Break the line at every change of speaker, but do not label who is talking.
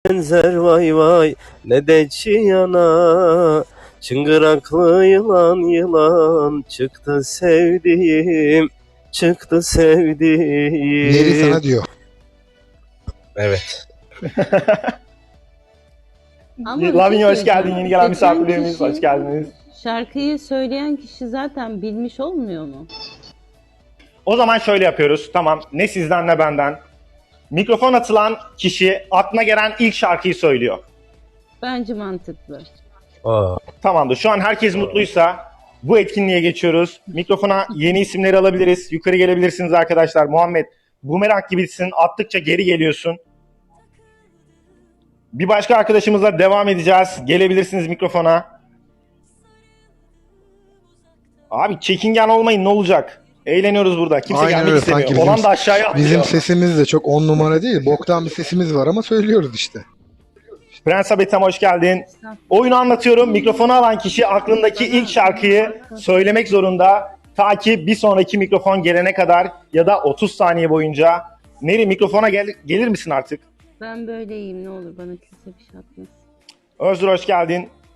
benzer vay vay ne de çiyana. Çıngıraklı yılan yılan çıktı sevdiğim, çıktı
Neri
sevdiğim.
sana diyor.
Evet.
Ama bir
Lavinia
şey
hoş geldin.
söyleyeceğim.
Yeni gelen
Seçen
misafirlerimiz
kişi-
hoş geldiniz.
Şarkıyı söyleyen kişi zaten bilmiş olmuyor mu?
O zaman şöyle yapıyoruz. Tamam. Ne sizden ne benden. Mikrofon atılan kişi aklına gelen ilk şarkıyı söylüyor.
Bence mantıklı.
Aa,
Tamamdır. Şu an herkes mutluysa bu etkinliğe geçiyoruz. Mikrofona yeni isimleri alabiliriz. Yukarı gelebilirsiniz arkadaşlar. Muhammed, bumerang gibisin. Attıkça geri geliyorsun. Bir başka arkadaşımızla devam edeceğiz. Gelebilirsiniz mikrofona. Abi çekingen olmayın, ne olacak? Eğleniyoruz burada. Kimse
Aynen
gelmek
öyle,
istemiyor.
sanki
Olan da aşağıya atlıyor.
Bizim sesimiz de çok 10 numara değil. Boktan bir sesimiz var ama söylüyoruz işte.
Prens Abetem hoş geldin. Oyunu anlatıyorum. Mikrofonu alan kişi aklındaki ilk şarkıyı söylemek zorunda. Ta ki bir sonraki mikrofon gelene kadar ya da 30 saniye boyunca. Neri mikrofona gelir misin artık?
Ben böyleyim, ne olur bana kimse bir şey atmasın.
Özgür hoş geldin.